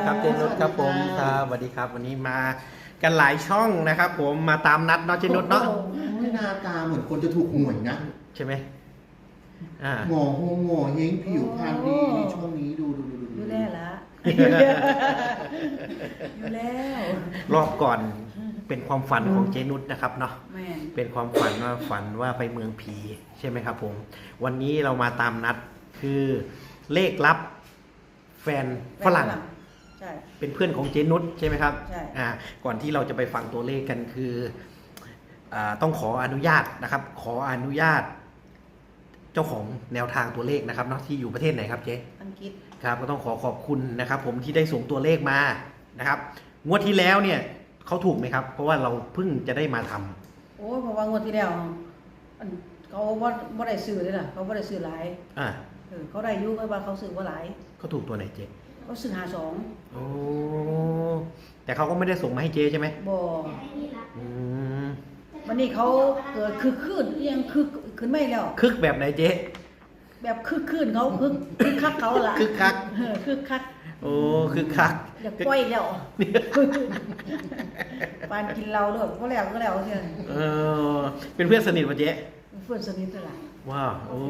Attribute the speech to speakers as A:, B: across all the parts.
A: ครับเจนุชครับผมครับสวัสดีครับวันนี้มากันหลายช่องนะครับผมมาตามนัดเนาะเจนุชเนาะ
B: หน้าตาเหมือนคนจะถูกหวยนะ
A: ใช่ไหม
B: หงอหงหงอเฮงผิวพรรณดีช่วงนี้ดู
C: อยู่แล้วละอยู่แล้ว
A: รอบก่อนเป็นความฝันของเจนุชนะครับเนาะ
C: แม่น
A: เป็นความฝันว่าไปเมืองผีใช่ไหมครับผมวันนี้เรามาตามนัดคือเลขลับแฟนฝรั่ง
C: ใช่
A: เป็นเพื่อนของเจนุชใช่ไหมครับ
C: ใช่
A: ก่อนที่เราจะไปฟังตัวเลขกันคือต้องขออนุญาตนะครับ ขออนุญาต เจ้าของแนวทางตัวเลขนะครับเนาะที่อยู่ประเทศไหนครับเจ๊
C: อังกฤษ
A: ครับก็ต้องขอบคุณนะครับ ผมที่ได้ส่งตัวเลขมานะครับงวดที่แล้วเนี่ยเขาถูกไหมครับ เพราะว่าเราเพิ่งจะได้มาทำ
C: โอ้เพราะว่างวดที่แล้วเขาบ่ได้ซื้อเลยล่ะเขาบ่ได้ซื้อหลายเขาได้อยู่ว่าเขาซื้อบ่หลาย
A: เขาถูกตัวไหนเจ๊
C: เขาซื้อ52
A: โอ้แต่เขาก็ไม่ได้ส่งมาให้เจ๊ใช่ไหม
C: บ่วันนี้เขาเกิดคึกคืนยังคึกขึ้นไม่แล้ว
A: คึกแบบไหนเจ๊
C: แบบคึกคืนเขาคึกคักเขาล่ะ
A: คึกคัก
C: คึกคัก
A: โอ้คึกคัก
C: อยากปล่อยแล้วปานกินเราด้วยก็แล้วเท่านั้น
A: เป็นเพื่อนสนิทป่ะเจ๊
C: เพื่อนสนิทเท่าไหร่
A: ว้าวโอ้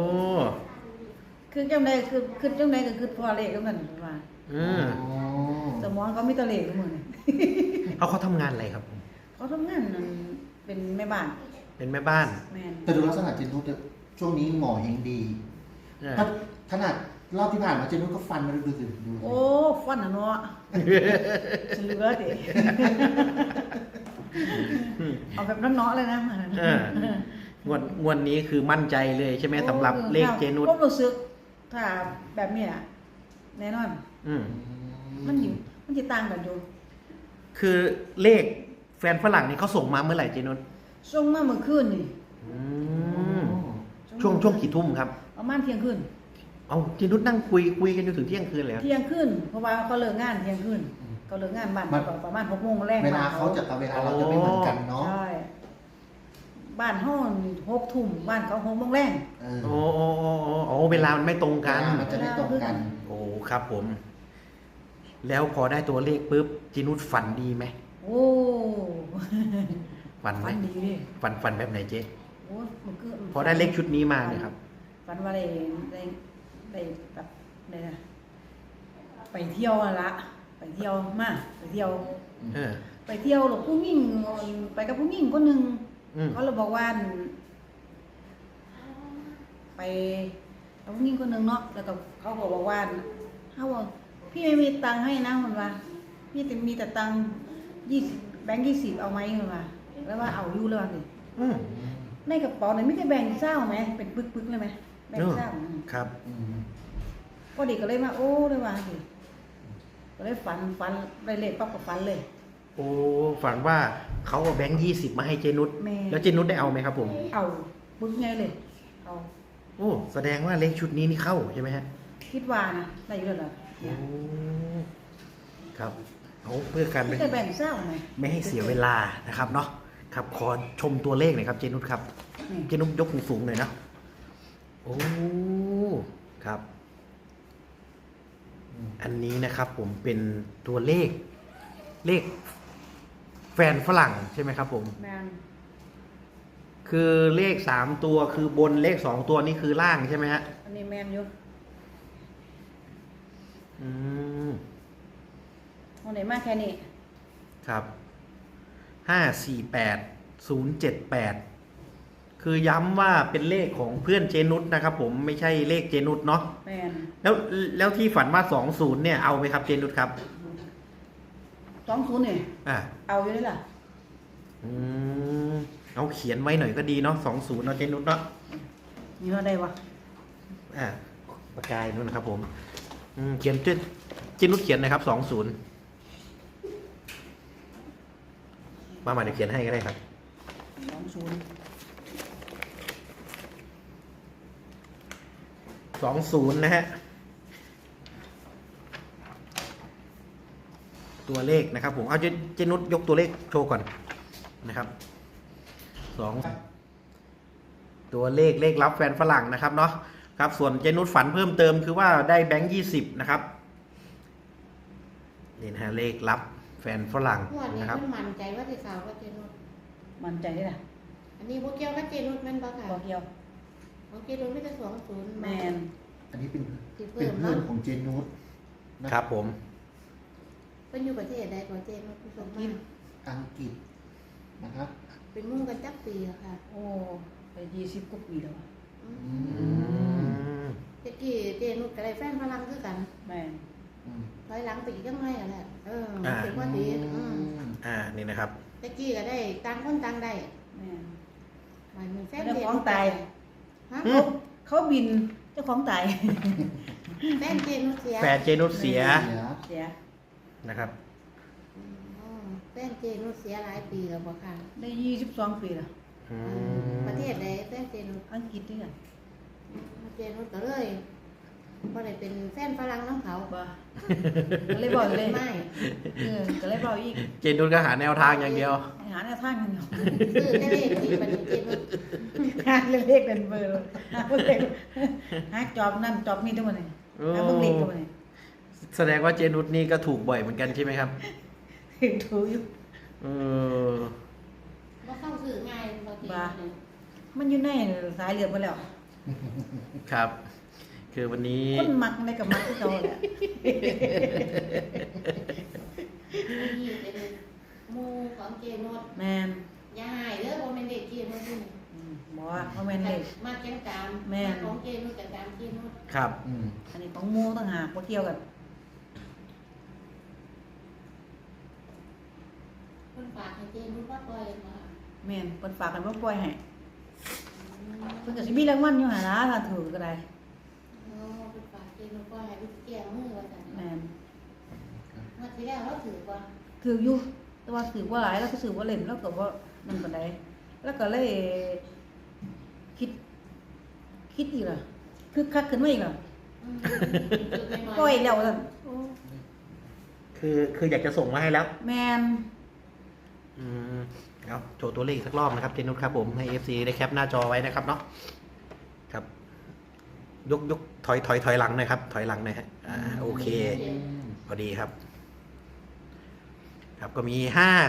C: คือจังไดคือจังไดก็คือพอเลขแล้วมันว่าสมองเขามีแตะเลขทุกมื้อนี่
A: เขาทำงานอะไรครับ
C: เขาทำงานนั่นเป็นแม่บ้าน
A: เป็นแม่บ้าน
C: แม่น
B: แต่ดูลักษณะเจนุชช่วงนี้หงอเฮงดีขนาดรอบที่ผ่านมาเจนุชก็ฟันมาดูสิ
C: โอ้ฟันน่ะเนาะเหลือดิเอาแบบน้อๆเลยนะ
A: งวดนี้คือมั่นใจเลยใช่ไหมสำหรับเลขเจนุช
C: ก็รู้สึกถ้าแบบนี้อ่ะแน่นอนมันจะต่างกันอยู่
A: คือเลขแฟนฝรั่งนี่เขาส่งมาเมื่อไหร่เจนุช
C: ส่งมาเมื่อคืนนี่
A: ช่วงกี่ทุ่มครับ
C: ประมาณเที่ยงคืน
A: เอาเจนุชนั่งคุยกันจนถึงเที่ยงคืนเลย
C: เที่ยงคืนเพราะว่าเขาเลิกงานเที่ยงคืนเขาเลิกงานบ้านประมาณ6 โมงแรก
B: เวลาเขาจะกับเวลาเราจะไม่เหมือนกันเนาะ
C: ใช่บ้านห้อง6 ทุ่มบ้านเขา6 โมงแรก
A: โอ้เวลามันไม่ตรงกัน
B: มันจะไม่ตรงกัน
A: โอ้ครับผมแล้วพอได้ตัวเลขปุ๊บเจนุชฝันดีไหม
C: โอ้
A: ฝัน
C: ดีดิ
A: ฝันแบบไหนเจ๊
C: โอ้
A: พอได้เลขชุดนี้มาเนี่ยครับ
C: ฝันว่าได้แบบไหนนะไปเที่ยวละไปเที่ยวมาไปเที่ยวหรอกผู้หญิงไปกับผู้หญิงคนหนึ่งเขาเลยบอกว่าไปกับผู้หญิงคนหนึ่งเนาะแล้วก็เขาบอกว่าเขาบอกพี่ไม่มีตังค์ให้นะมันว่าพี่มีแต่ตังค์20 แบงค์ 20เอาไหมมันว่าแล้วว่าเอาอยู่เลยว่าสิในกระเป๋าเนี่ยไม่ได้แบ่งเศร้าไหมเป็นปึกเลยไหมแบ่งเศร้า
A: ครับ
C: พอดีก็เลยมาโอ้เลยว่าสิก็เลยฝันได้เลขปั๊บก็ฝันเลย
A: โอ้ฝันว่าเขาเอาแบงค์ 20มาให้เจนุชแล้วเจนุชได้เอาไหมครับผม
C: เอาปึกไงเลยเอา
A: โอ้แสดงว่าเลขชุดนี้นี่เข้าใช่ไหมฮะ
C: คิดว่านะได้อยู่แล้วเหรอ
A: ครับเอาเพื่อการ
C: ไม่ได้แบ่งเศร้าไหม
A: ไม่ให้เสียเวลานะครับเนาะครับขอชมตัวเลขหน่อยครับเจนุชครับเจนุชยกสูงๆหน่อยนะโอ้ครับอันนี้นะครับผมเป็นตัวเลขแฟนฝรั่งใช่ไหมครับผมคือเลข3 ตัวคือบนเลข2 ตัวนี่คือล่างใช่ไหมฮะ
C: อันนี้แมนอยู่วันไหนมากแค่นี้
A: ครับ548078คือย้ำว่าเป็นเลขของเพื่อนเจนุชนะครับผมไม่ใช่เลขเจนุชเนาะแล้วที่ฝันว่า20เนี่ยเอาไหมครับเจนุชครับ
C: 20เนี่ยเอาอยู่ได้ล่ะ
A: เอาเขียนไว้หน่อยก็ดีเนาะ20เนาะเจนุชเนาะ
C: นี่ว่าได้วะ
A: ปากกานู่นนะครับผมเขียนเจนุชเขียนนะครับ20มาเดี๋ยวเขียนให้ก็ได้ครับ20นะฮะตัวเลขนะครับผมเอาเจนุชยกตัวเลขโชว์ก่อนนะครับตัวเลขรับแฟนฝรั่งนะครับเนาะครับส่วนเจนุชฝันเพิ่มเติมคือว่าได้แบงค์20นะครับนี่นะฮะเลขลับแฟนฝรั่ง
D: งวดนี้
A: นะครับ
D: มันมั่นใจว่าสิขาวกับเจนุช
C: มั่นใจได้ล่ะ
D: อันนี้บ่เกี่ยวกับเจนุชแม่นบ่ค่ะ
C: บ่เกี่ยว
D: ของเจนุชมีแต่20
C: แม่น
B: อันนี้เป็น
D: สิ
B: เป็
D: เพิ่
B: น
D: ม
B: เพื่อน
D: เนาะ
B: ของเจนุสนะครับ
A: ผม
D: เพิ่นอยู่ประเทศใดของเจนุชผู้ชมมา
B: อังกฤษนะครับ
D: เป็นหมู่กันจักปีแล้วค่ะ
C: โอ้ไป20กว่าปีแล้วอะ
D: อื
B: อื
D: ม
B: ม
D: ตะกี้เจนุชก็ได้แฟนฝรั่งคือกัน
C: แม่น
B: อืม
D: ถอยหลังไปอีกจังไงอ่ะแหละ
A: อ่า
D: มันเป็นว่าดีม
A: นี่นะครับ
D: ตะกี้ก็ได้ต่างคนต่างได้
C: แม่น
D: มันแฟน
C: เจ้า
D: เจ
C: ของ
D: นุช
C: ตาย
D: ฮะ
A: อืม
C: เขาบินเจ้าของตาย
D: แฟนเจนุชเสีย
A: แฟนเจนุสเสีย
B: เสีย
C: เสีย
A: นะครับ
D: อ๋อแฟนเจนุชเสียหลายปีแล้วบ่ค่ะ
C: ได้22ปีแล้ว
A: อืม
D: ประเทศใดแฟนเจนุช
C: อังกฤษด้วยกัน
D: เจนุชก็เลยบ่ได้เป็นแฟนฝรั่งน้ำเขา
C: บ่ก็เลยบอกเลย
D: ไม่
C: ก็เลยบอกอีก
A: เจนุสก็หาแนวทางอย่างเดียว
C: หาแนวทางกันเนาะ
D: ซื้อได้เลขดีบัดนี้เจนุช
C: หาเลขเป็นเบอร์หาเลขหาจอบนั่นจอบนี่ทั้งหมดเลยหาเบิ่งเลขทั้งหมดเลย
A: แสดงว่าเจนุสนี่ก็ถูกบ่อยเหมือนกันใช่ไหมครับ
C: ถึงถูกอยู่
A: เออ
D: บ่เข้าซื้อง่ายบ่เจ
C: บ้า
D: นุช
C: มันอยู่ในสายเลือดมาแล้ว
A: ครับ คือวันนี้
C: คนมักอะไรกับมักที่เขาแหละ
D: นี่เป็นหมู่ของเจนุช
C: แมน
D: อย่าหายเด้อบ่แม่นเด็กเจนุชนี่
C: บอกว่าเขาแมนเลย
D: มาจังตาม
C: แม่น
D: ของเจนุชกับตามเจนุช
A: ครับ
B: อืม
C: อันนี้ของหมูต่างหากบ่เกี่ยวกัน
D: เพิ่นฝากให้เจนุชว่าปล่อยมา
C: แมนเพิ่นฝากกันบ่ปล่อยให้เพิ่นก็สิมีรางวัลอยู่หั่นล่ะถ้าถูกก็ได้
D: อ๋อเพิ่นฝากเจนุชปล่อยให้ลูกแก้มือว่าซั่น
C: แมน
D: เมื่อที่แล้วเราถือบ่
C: ถืออยู่แต่ว่าถือว่าหลายแล้วก็ถือว่าเล่นแล้วก็บ่นั่นปานใดแล้วก็เลยคิดอีกล่ะคือคักขึ้นมาอีกล่ะ
D: อืมถือไปหน่อย
C: ปล่อยแล้วซั่นโอ้
A: คืออยากจะส่งมาให้แล้ว
C: แมน
A: อืมเอาโชว์ตัวเลขสักรอบนะครับเจนุสครับผมให้ FC ได้แคปหน้าจอไว้นะครับเนาะครับ ยกถอยหลังหน่อยครับ ถอยหลังหน่อยฮะโอเค
B: อืม
A: พอดีครับ ครับก็มี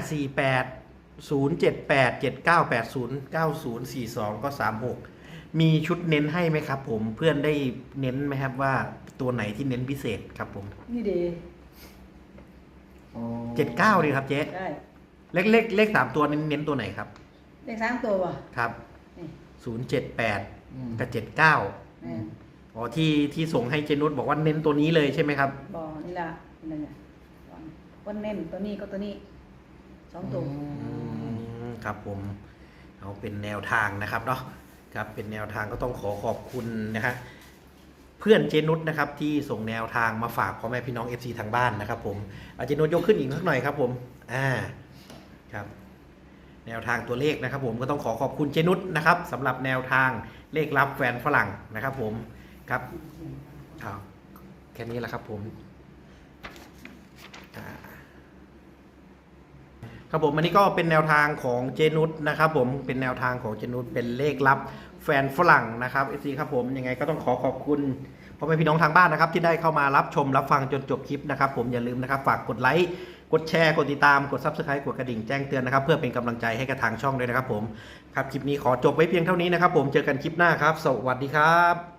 A: 548 078 7980 9042 ก็ 36 มีชุดเน้นให้ไหมครับผมเพื่อนได้เน้นไหมครับว่าตัวไหนที่เน้นพิเศษครับผม
C: นี่เด้
B: อ๋อ
A: 79ดีครับเจ๊
C: ได้
A: เลข3ตัวเน้นตัวไหนครับ
C: ได้3ตัวบ่
A: ครับ
C: นี่
A: 078
B: อืม
A: กับ 79
C: แม่น
A: อ๋อที่ส่งให้เจนุสบอกว่าเน้นตัวนี้เลยใช่ไหมครับ
C: บ่นี่ล่ะนั่นน่ะวันเน้นตัวนี้ก็ตัวนี้2ตัว
A: ครับผมเอาเป็นแนวทางนะครับเนาะครับเป็นแนวทางก็ต้องขอบคุณนะฮะเพื่อนเจนุสนะครับที่ส่งแนวทางมาฝากพ่อแม่พี่น้อง FC ทางบ้านนะครับผมเอาเจนุสยกขึ้นอีกสักหน่อยครับผมครับแนวทางตัวเลขนะครับผมก็ต้องขอบคุณเจนุสนะครับสำหรับแนวทางเลขลับแฟนฝรั่งนะครับผมครับเอาแค่นี้แหละครับผมครับผมอันนี้ก็เป็นแนวทางของเจนุสนะครับผมเป็นแนวทางของเจนุสเป็นเลขลับแฟนฝรั่งนะครับ FC ครับผมยังไงก็ต้องขอบคุณพ่อแม่พี่น้องทางบ้านนะครับที่ได้เข้ามารับชมรับฟังจนจบคลิปนะครับผมอย่าลืมนะครับฝากกดไลค์กดแชร์กดติดตามกด Subscribe กดกระดิ่งแจ้งเตือนนะครับเพื่อเป็นกำลังใจให้กับทางช่องด้วยนะครับผมครับคลิปนี้ขอจบไว้เพียงเท่านี้นะครับผมเจอกันคลิปหน้าครับสวัสดีครับ